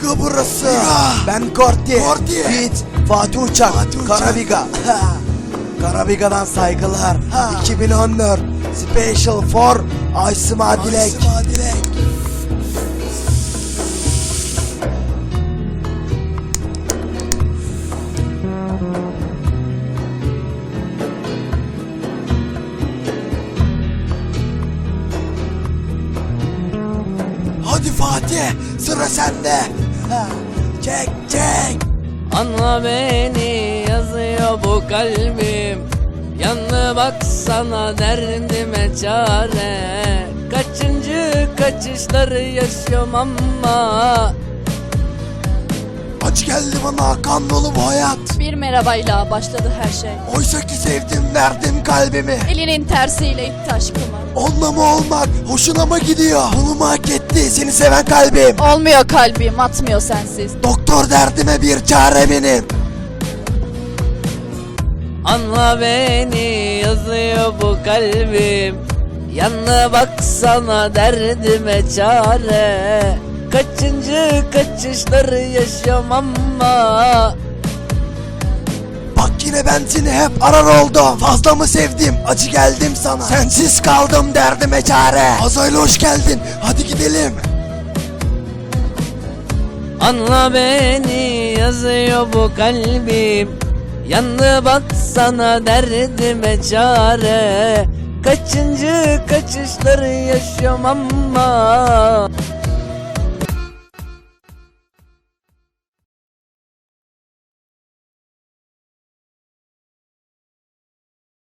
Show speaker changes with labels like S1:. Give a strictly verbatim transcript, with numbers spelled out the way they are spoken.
S1: Viga burası.
S2: Viga.
S1: Ben Korti.
S2: Korti.
S1: Fit. Fatih Uçak.
S2: Fatih Uçak.
S1: Karaviga. Karabiga'dan saygılar.
S2: Ha.
S1: iki bin on dört. Special for Aysima Dilek.
S2: Aysima Dilek. Hadi Fatih, sıra sende. Ha, çek çek.
S3: Anla beni yazıyor bu kalbim. Yanına baksana derdime çare. Kaçıncı kaçışları yaşıyorum ama
S2: Acı geldi bana, kan dolu bu hayat.
S4: Bir merhabayla başladı her şey.
S2: Oysa ki sevdim, verdim kalbimi.
S4: Elinin tersiyle itti aşkımı.
S2: Onunla mı olmak, hoşuna mı gidiyor? Bunu mu hak etti seni seven kalbim?
S4: Olmuyor kalbim, atmıyor sensiz.
S2: Doktor derdime bir çare benim.
S3: anla beni yazıyor bu kalbim. Yanına baksana derdime çare. Kaçıncı kaçışları yaşıyorum ama
S2: Bak yine ben seni hep arar oldum. Fazla mı sevdim, acı geldim sana. Sensiz kaldım, derdime çare. Azayla hoş geldin, hadi gidelim.
S3: anla beni yazıyor bu kalbim. Yanına baksana derdime çare. Kaçıncı kaçışları yaşıyorum ama